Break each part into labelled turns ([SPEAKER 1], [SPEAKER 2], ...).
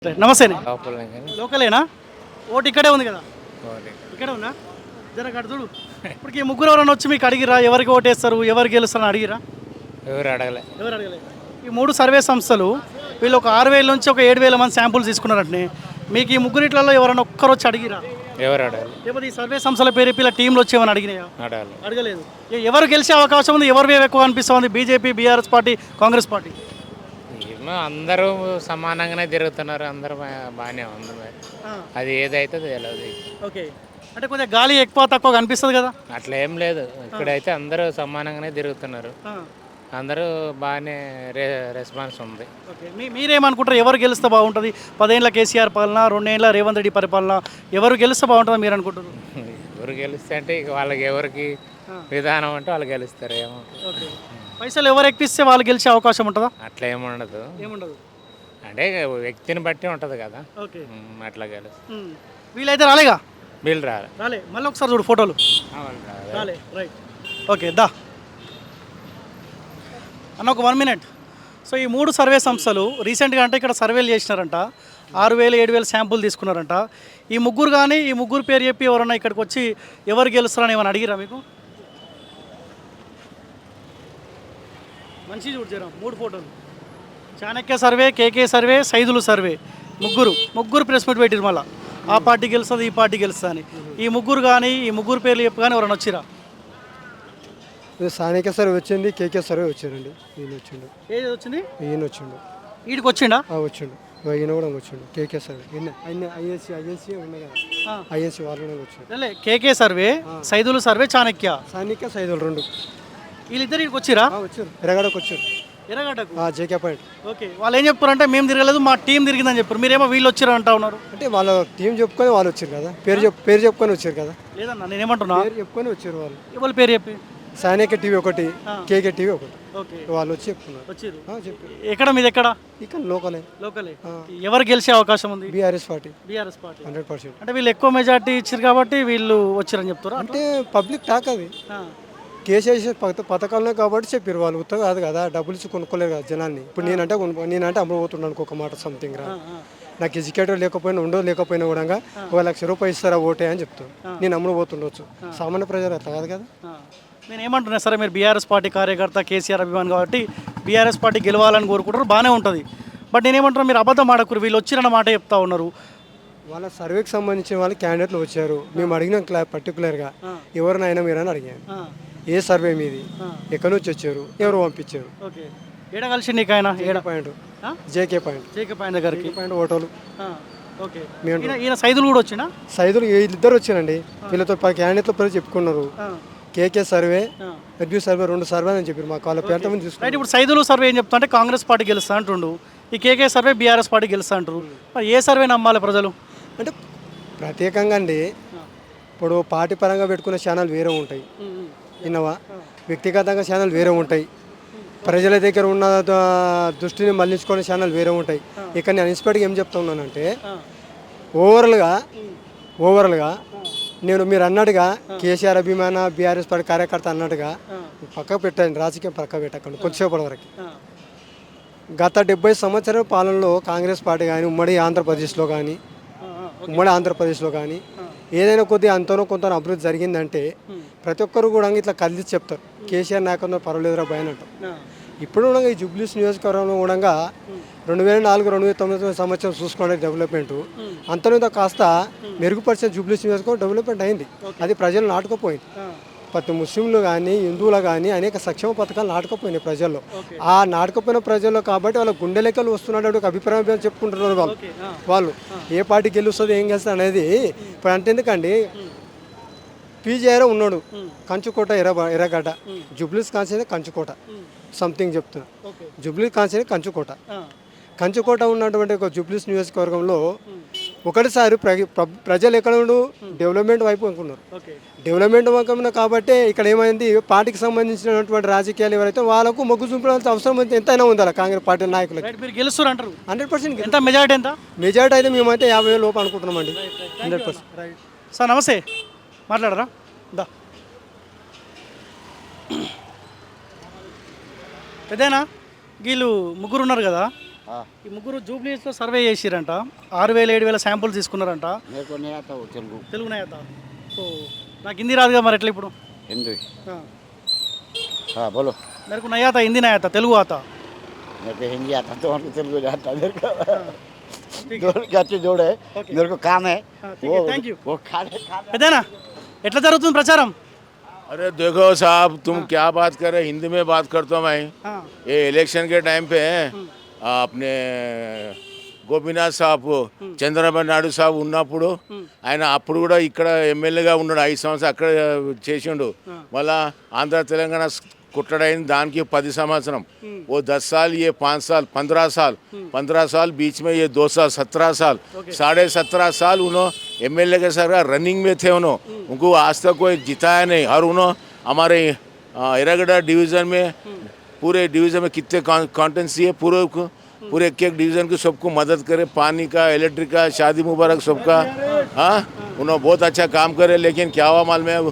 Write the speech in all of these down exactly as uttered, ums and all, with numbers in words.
[SPEAKER 1] నమస్తే
[SPEAKER 2] లోపలనే కానీ
[SPEAKER 1] లోకలేనా ఓటు ఇక్కడే ఉంది కదా
[SPEAKER 2] పోనీ.
[SPEAKER 1] ఇక్కడే ఉన్నా జర అక్కడ చూడు ఇప్పటికి ఈ ముగ్గురు ఎవరైనా వచ్చి మీకు అడిగిరా ఎవరికి ఓటేస్తారు ఎవరు గెలుస్తారని అడిగిరా
[SPEAKER 2] ఎవరు అడగలే.
[SPEAKER 1] ఎవరు అడగలేదు ఈ మూడు సర్వే సంస్థలు వీళ్ళు ఒక ఆరు వేల నుంచి ఒక ఏడు వేల మంది శాంపుల్స్ తీసుకున్నారంటే మీకు ఈ ముగ్గురిట్లలో ఎవరైనా ఒక్కరు వచ్చి అడిగిరా
[SPEAKER 2] ఎవరు అడగలే.
[SPEAKER 1] లేకపోతే ఈ సర్వే సంస్థల పేరు ఇలా టీంలు వచ్చి ఏమైనా అడిగినాయా
[SPEAKER 2] అడగలే.
[SPEAKER 1] అడగలేదు ఎ- ఎవరు గెలిచే అవకాశం ఉంది ఎవరు వేవ్ ఎక్కువ అనిపిస్తుంది BJP BRS party Congress party
[SPEAKER 2] ఏమో అందరూ సమానంగానే తిరుగుతున్నారు. అందరూ బా- బాగానే ఉంది మరి. అది ఏదైతే తెలియదు.
[SPEAKER 1] ఓకే అంటే కొద్దిగా గాలి ఎక్కువ తక్కువ అనిపిస్తుంది కదా
[SPEAKER 2] అట్లా ఏం లేదు. ఇక్కడైతే అందరూ సమానంగానే తిరుగుతున్నారు.
[SPEAKER 1] ఆ.
[SPEAKER 2] అందరూ బాగానే రె రెస్పాన్స్ ఉంది.
[SPEAKER 1] ఓకే మీ మీరేమనుకుంటారు ఎవరు గెలిస్తే బాగుంటుంది పదేళ్ళ కేసీఆర్ పాలన రెండేళ్ళ రేవంత్ రెడ్డి పరిపాలన ఎవరు గెలిస్తే బాగుంటుందని మీరు అనుకుంటారు
[SPEAKER 2] ఎవరు గెలిస్తే అంటే ఇక వాళ్ళకి ఎవరికి విధానం అంటే వాళ్ళు గెలుస్తారు. ఏమో
[SPEAKER 1] ఓకే పైసలు ఎవరు ఎక్కిస్తే వాళ్ళు గెలిచే అవకాశం ఉంటుందా
[SPEAKER 2] అట్లా ఏముండదు.
[SPEAKER 1] ఏముండదు
[SPEAKER 2] అంటే వ్యక్తిని బట్టి ఉంటుంది కదా.
[SPEAKER 1] ఓకే
[SPEAKER 2] ఉమ్, అట్లా గెలుస్తారు.
[SPEAKER 1] ఉమ్. వీళ్ళైతే రాలేగా
[SPEAKER 2] వీళ్ళు రారు.
[SPEAKER 1] రాలే మళ్ళీ ఒకసారి చూడు ఫోటోలు
[SPEAKER 2] వాళ్ళు రారు.
[SPEAKER 1] రాలే రైట్ ఓకే దా అన్న ఒక వన్ మినిట్ సో ఈ మూడు సర్వే సంస్థలు రీసెంట్గా అంటే ఇక్కడ సర్వేలు చేసినారంట ఆరు వేలు ఏడు వేలు శాంపుల్ తీసుకున్నారంట ఈ ముగ్గురు కానీ ఈ ముగ్గురు పేరు చెప్పి ఎవరన్నా ఇక్కడికి వచ్చి ఎవరు గెలుస్తారని ఏమైనా అడిగిరా మీకు మంచి చూడు జరా మూడు ఫోటోలు Chanakya survey KK survey Saidulu survey ముగ్గురు ముగ్గురు ప్రెస్ మీట్ పెట్టిరు మళ్ళీ ఆ పార్టీ గెలుస్తుంది ఈ పార్టీ గెలుస్తుంది అని ఈ ముగ్గురు కానీ ఈ ముగ్గురు పేర్లు చెప్పు కానీ ఎవరైనా వచ్చిరా
[SPEAKER 3] స్థానిక సర్వే వచ్చింది కేకే సర్వే వచ్చారండి ఈయన వచ్చిండు
[SPEAKER 1] ఏది వచ్చింది
[SPEAKER 3] ఈయన వచ్చిండు
[SPEAKER 1] వీడికి వచ్చిండా
[SPEAKER 3] ఆ, వచ్చిండు ఈయన కూడా వచ్చిండు కేకే సర్వే ఈయన ఆయన ఐఎన్సీ ఐఎన్సీ ఉన్నాయి కదా ఐఎన్సీ వాళ్ళు కూడా వచ్చారు
[SPEAKER 1] లే KK survey Saidulu survey Chanakya
[SPEAKER 3] స్థానిక సైదులు రెండు
[SPEAKER 1] వీళ్ళిద్దరు ఇక్కడికి వచ్చిరా
[SPEAKER 3] ఆ, వచ్చారు ఎరగడకు వచ్చారు
[SPEAKER 1] ఎర్రగడ్డకు
[SPEAKER 3] ఆ, జేకే పాయింట్
[SPEAKER 1] ఓకే వాళ్ళు ఏం చెప్పారంటే మేము తిరగలేదు మా టీం తిరిగిందని చెప్పారు మీరేమో వీళ్ళు వచ్చారు అంటా ఉన్నారు
[SPEAKER 3] అంటే వాళ్ళ టీం చెప్పుకొని వాళ్ళు వచ్చారు కదా పేరు చెప్ పేరు చెప్పుకొని వచ్చారు కదా
[SPEAKER 1] లేదన్నా నేనేమంటున్నా
[SPEAKER 3] పేరు చెప్పుకొని వచ్చారు వాళ్ళు
[SPEAKER 1] ఎవరి పేరు చెప్పి
[SPEAKER 3] స్థానిక టీవీ ఒకటి కేకే టీవీ ఒకటి
[SPEAKER 1] ఓకే
[SPEAKER 3] వాళ్ళు వచ్చి చెప్తున్నారు
[SPEAKER 1] వచ్చిర్రు
[SPEAKER 3] ఆ, చెప్పారు
[SPEAKER 1] ఎక్కడ మీది ఎక్కడ
[SPEAKER 3] ఇక్కడ లోకలే
[SPEAKER 1] లోకలే ఎవరు గెలిచే అవకాశం ఉంది
[SPEAKER 3] BRS party
[SPEAKER 1] BRS party
[SPEAKER 3] hundred percent
[SPEAKER 1] అంటే వీళ్ళు ఎక్కువ మెజార్టీ ఇచ్చారు కాబట్టి వీళ్ళు వచ్చారని చెప్తారా
[SPEAKER 3] అంటే పబ్లిక్ టాక్ అది కేసీఆర్ పథ పథకాలనే కాబట్టి చెప్పారు వాళ్ళు ఉత్తగా కాదు కదా డబ్బులు ఇచ్చి కొనుక్కోలేరు కదా జనాన్ని ఇప్పుడు నేనంటే కొను నేనంటే అమ్ముడు పోతున్నాను ఒక మాట సంథింగ్ రా నాకు ఎడ్యుకేటర్ లేకపోయినా ఉండో లేకపోయినా కూడా ఒక లక్ష రూపాయలు ఇస్తారా ఓటే అని చెప్తాను నేను అమ్ముడు పోతుండొచ్చు సామాన్య ప్రజలు అట్లా కాదు కదా
[SPEAKER 1] నేను ఏమంటున్నా సరే మీరు బీఆర్ఎస్ పార్టీ కార్యకర్త కేసీఆర్ అభిమాన్ కాబట్టి బీఆర్ఎస్ పార్టీ గెలవాలని కోరుకుంటారు బాగానే ఉంటుంది బట్ నేనేమంటున్నా మీరు అబద్ధం ఆడకూరు వీళ్ళు వచ్చిరన్న మాట చెప్తా ఉన్నారు
[SPEAKER 3] వాళ్ళ సర్వేకి సంబంధించిన వాళ్ళు క్యాండిడేట్లు వచ్చారు మేము అడిగిన క్లా పర్టికులర్గా ఎవరినైనా మీరని అడిగాను ఏ సర్వే మీది ఎక్కడి నుంచి వచ్చారు ఎవరు పంపించారు
[SPEAKER 1] ఓకే ఏడ కలిసి నీకు ఆయన ఏడ
[SPEAKER 3] point JK point
[SPEAKER 1] JK point దగ్గరికి
[SPEAKER 3] పాయింట్ ఓటోలు
[SPEAKER 1] ఓకే ఈయన ఈయన సైదులు కూడా వచ్చినా
[SPEAKER 3] సైదులు వీళ్ళిద్దరు వచ్చారండి వీళ్ళతో పది క్యాండిడేట్ల పేరు చెప్పుకున్నారు కేకే సర్వే ఎడ్యూ సర్వే రెండు సర్వే అని చెప్పారు మాకు వాళ్ళ పేరుతో
[SPEAKER 1] రైట్
[SPEAKER 3] చూసుకున్నారు
[SPEAKER 1] ఇప్పుడు సైదులు సర్వే ఏం చెప్తా అంటే కాంగ్రెస్ పార్టీ గెలుస్తా అంటుండు ఈ కేకే సర్వే బీఆర్ఎస్ పార్టీ గెలుస్తా అంటారు మరి ఏ సర్వే నమ్మాలి ప్రజలు
[SPEAKER 3] అంటే ప్రత్యేకంగా అండి ఇప్పుడు పార్టీ పరంగా పెట్టుకునే ఛానల్ వేరే ఉంటాయి విన్నవా వ్యక్తిగతంగా ఛానల్ వేరే ఉంటాయి ప్రజల దగ్గర ఉన్న ద- దృష్టిని మళ్లించుకునే ఛానల్ వేరే ఉంటాయి ఇక్కడ నేను ఇన్స్పైర్గా ఏం చెప్తా ఉన్నానంటే ఓవరాల్గా ఓవరాల్గా నేను మీరు అన్నట్టుగా కేసీఆర్ అభిమాన బీఆర్ఎస్ పార్టీ కార్యకర్త అన్నట్టుగా పక్కకు పెట్టండి రాజకీయం పక్క పెట్టకండి కొద్దిసేపటి వరకు గత డెబ్బై సంవత్సరాల పాలనలో కాంగ్రెస్ పార్టీ కానీ ఉమ్మడి ఆంధ్రప్రదేశ్లో కానీ ఉమ్మడి ఆంధ్రప్రదేశ్లో కానీ ఏదైనా కొద్దిగా అంతనో కొంత అభివృద్ధి జరిగిందంటే ప్రతి ఒక్కరు కూడా ఇట్లా కలిసి చెప్తారు కేసీఆర్ నాయకంలో పర్వాలేదురా భయం అంటారు ఇప్పుడు కూడా ఈ జూబ్లీస్ నియోజకవర్గంలో కూడా రెండు వేల నాలుగు రెండు వేల తొమ్మిది సంవత్సరం చూసుకోండి డెవలప్మెంట్ అంతలో కాస్త మెరుగుపరిచిన జూబ్లీస్ నియోజకవర్గం డెవలప్మెంట్ అయింది అది ప్రజలు నాటుకుపోయింది ప్రతి ముస్లింలు కానీ హిందువులు కానీ అనేక సంక్షేమ పథకాలు నాటుకుపోయినాయి ప్రజల్లో ఆ నాటుకుపోయిన ప్రజల్లో కాబట్టి వాళ్ళ గుండె లెక్కలు వస్తున్నట్టు ఒక అభిప్రాయం చెప్పుకుంటున్నారు వాళ్ళు వాళ్ళు ఏ పార్టీ గెలుస్తుంది ఏం గెలుస్తుంది అనేది ఇప్పుడు అంటే ఎందుకండి పీజీఆర్ ఉన్నాడు కంచుకోట ఎర్ర ఎర్రగడ్డ జూబ్లీస్ కాన్సే కంచుకోట సంథింగ్ చెప్తున్నా జూబ్లీస్ కాన్సే కంచుకోట కంచుకోట ఉన్నటువంటి ఒక జూబ్లీస్ నియోజకవర్గంలో ఒకటిసారి ప్ర ప్ర- ప్రజలు ఎక్కడ ఉండు డెవలప్మెంట్ వైపు అనుకున్నారు డెవలప్మెంట్ వైపు కాబట్టి ఇక్కడ ఏమైంది పార్టీకి సంబంధించినటువంటి రాజకీయాలు ఎవరైతే వాళ్ళకు మొగ్గు చూపడానికి అవసరం అయితే ఎంతైనా ఉంది అలా కాంగ్రెస్ పార్టీ నాయకులకి
[SPEAKER 1] రైట్ మీరు గెలుస్తారు అంటారు
[SPEAKER 3] హండ్రెడ్ పర్సెంట్
[SPEAKER 1] ఎంత మెజారిటీ ఎంత
[SPEAKER 3] మెజార్టీ అయితే మేమైతే యాభై వేల లోపు అనుకుంటున్నామండి హండ్రెడ్ పర్సెంట్
[SPEAKER 1] రైట్ సార్ నమస్తే మాట్లాడరా దా పెద్దనా వీళ్ళు ముగ్గురు ఉన్నారు కదా ఈ ముగ్గురు జూబ్లీస్లో సర్వే చేసిరంట, ఆరు వేల ఏడు వేల శాంపుల్స్ తీసుకున్నారంట.
[SPEAKER 4] मेरे को नहीं आता वो तेलुगु
[SPEAKER 1] తెలుగు నేత. సో నాకు హిందీ రాదుగా మరి ఎట్లా ఇప్పుడు?
[SPEAKER 4] हिंदी हाँ बोलो
[SPEAKER 1] मेरे को नहीं आता, हिंदी नहीं आता, तेलुगु आता.
[SPEAKER 4] मेरे को हिंदी आता तो उनको तेलुगु आता मेरे को दोनों के अच्छे जोड़े मेरे को काम है
[SPEAKER 1] हाँ, ठीक है, thank you.
[SPEAKER 4] वो खाने खाने
[SPEAKER 1] పెద్దనా ఎట్లా జరుగుతుంది ప్రచారం?
[SPEAKER 5] अरे देखो साहब तुम क्या बात कर रहे, हिंदी में बात करता हूँ मैं.
[SPEAKER 1] हाँ.
[SPEAKER 5] ये इलेक्शन के टाइम पे ఆ, अपने గోపీనాథ్ సాబ్ చంద్రబాబు నాయుడు సాబ్ ఉన్నప్పుడు ఆయన అప్పుడు కూడా ఇక్కడ ఎమ్మెల్యేగా ఉన్నాడు, ఐదు సంవత్సరాలు అక్కడ చేసిండు. మళ్ళా ఆంధ్ర తెలంగాణ కుట్టడైంది దానికి పది సంవత్సరం. वो दस साल ये पाँच साल पंद्रह साल पंद्रह साल बीच में ये दो साल सत्रह साल साढ़े सत्रह साल उन्होंने एम एल ए के सर रनिंग में थे. उन्होंने उनको आज तक कोई जिताया नहीं. और उन्होंने हमारे एरागढ़ डिवीज़न में पूरे डिवीज़न में कितने कॉन्टेंसी है, पूरे पूरे एक एक डिवीज़न के सबको मदद करे, पानी का, इलेक्ट्रिक का, शादी मुबारक सबका. हाँ उन्होंने बहुत अच्छा काम करे. लेकिन क्या हुआ मालूम है,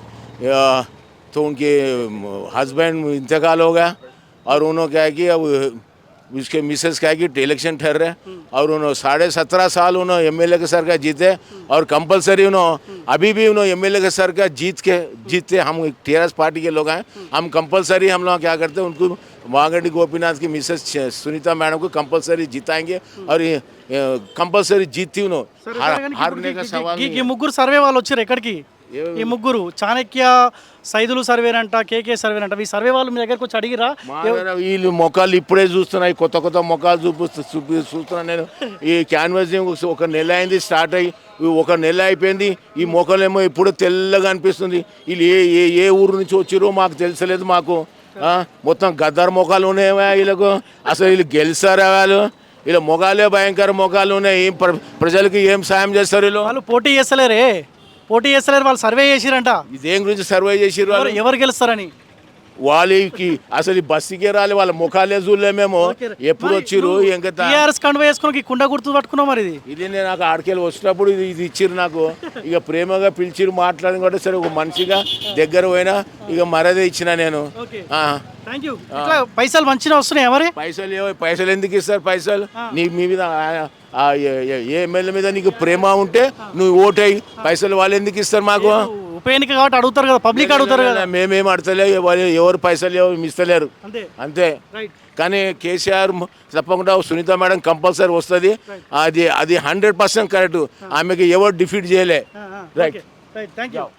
[SPEAKER 5] तो उनके हस्बैंड इंतकाल हो गया. और उन्होंने क्या है कि अब उसके मिसेस क्या है कि इलेक्शन ठहर रहे. और उन्होंने साढ़े सत्रह साल उन्होंने एम एल ए के सर का जीते. और कंपलसरी उन्होंने अभी भी उन्होंने एम एल ए के सर का जीत के जीतते. हम टी आर एस पार्टी के लोग हैं, हम कंपलसरी हम लोग क्या करते हैं, उनको वागंडी गोपीनाथ की मिसेस सुनीता मैडम को कंपलसरी जिताएंगे. और कंपलसरी जीतती उन्होंने हार- हारने का सवाल
[SPEAKER 1] ఈ-
[SPEAKER 5] नहीं
[SPEAKER 1] ఈ ముగ్గురు సర్వే వాళ్ళు వచ్చారు ఎక్కడికి? ఈ ముగ్గురు చాణక్య సైదులు సర్వేనంట, కేకే సర్వేనంట. ఈ సర్వే వాళ్ళు మీ దగ్గరకు వచ్చి అడిగిరా?
[SPEAKER 5] మా దగ్గర వీళ్ళు మొక్కలు ఇప్పుడే చూస్తున్నాయి, కొత్త కొత్త మొక్కలు చూపిస్తూ చూపి చూస్తున్నాను నేను. ఈ క్యాన్వాసింగ్ ఒక నెల అయింది స్టార్ట్ అయ్యి, ఒక నెల అయిపోయింది. ఈ మొక్కలేమో ఇప్పుడు తెల్లగా అనిపిస్తుంది. వీళ్ళు ఏ ఏ ఏ ఊరు నుంచి వచ్చిరో మాకు తెలుసలేదు. మాకు ఆ, మొత్తం గద్దర్ మొక్కలు ఉన్నాయి వీళ్ళకు. అసలు వీళ్ళు గెలిచారా వాళ్ళు? వీళ్ళ మొగాలే భయంకర మొగాలు ఉన్నాయి. ఏం ప్ర- ప్రజలకి ఏం సాయం చేస్తారు వీళ్ళు?
[SPEAKER 1] వాళ్ళు పోటీ చేస్తలేరే, పోటీ చేస్తలేరు. వాళ్ళు సర్వే చేసిరంట
[SPEAKER 5] ఇదేం గురించి సర్వే చేసిర్రు వాళ్ళు?
[SPEAKER 1] ఎవరు గెలుస్తారని.
[SPEAKER 5] వాళ్ళకి అసలు ఈ బస్సుకే రాలే, వాళ్ళ ముఖాలే చూడలే మేము. ఎప్పుడు వచ్చిర్రు ఇంకా
[SPEAKER 1] టీఆర్ఎస్ కండువా వేసుకుని ఈ కుండ గుర్తు పట్టుకున్నావు మరి. ఇది
[SPEAKER 5] ఇది నేను నాకు ఆడికెళ్ళి వచ్చినప్పుడు ఇది ఇది ఇచ్చిర్రు నాకు. ఇక ప్రేమగా పిలిచిరు, మాట్లాడిన కూడా సరే ఒక మనిషిగా దగ్గర పోయినా ఇక మరదే ఇచ్చిన నేను. ఆ.
[SPEAKER 1] Thank you. ఇట్లా పైసలు మంచిగా వస్తున్నాయి మరి.
[SPEAKER 5] పైసలు ఏవో పైసలు ఎందుకు ఇస్తారు? పైసలు నీ మీ మీద ఆ- ఆ ఏ- ఏ- ఏ ఎమ్మెల్యే మీద నీకు ప్రేమ ఉంటే నువ్వు ఓటేయి. పైసలు వాళ్ళు ఎందుకు ఇస్తారు మాకు?
[SPEAKER 1] ఉప ఎన్నిక కాబట్టి అడుగుతారు కదా, పబ్లిక్ అడుగుతారు కదా.
[SPEAKER 5] మేమేం అడతలే, ఎవరు- ఎవరు పైసలు ఎవరు ఇస్తలేరు
[SPEAKER 1] అంతే.
[SPEAKER 5] అంతే.
[SPEAKER 1] రైట్.
[SPEAKER 5] కానీ కేసీఆర్ తప్పకుండా సునీత మేడం కంపల్సరీ వస్తుంది. అది అది హండ్రెడ్ పర్సెంట్ కరెక్ట్. ఆమెకి ఎవరు డిఫీట్ చేయలే. రైట్.
[SPEAKER 1] రైట్. Thank you.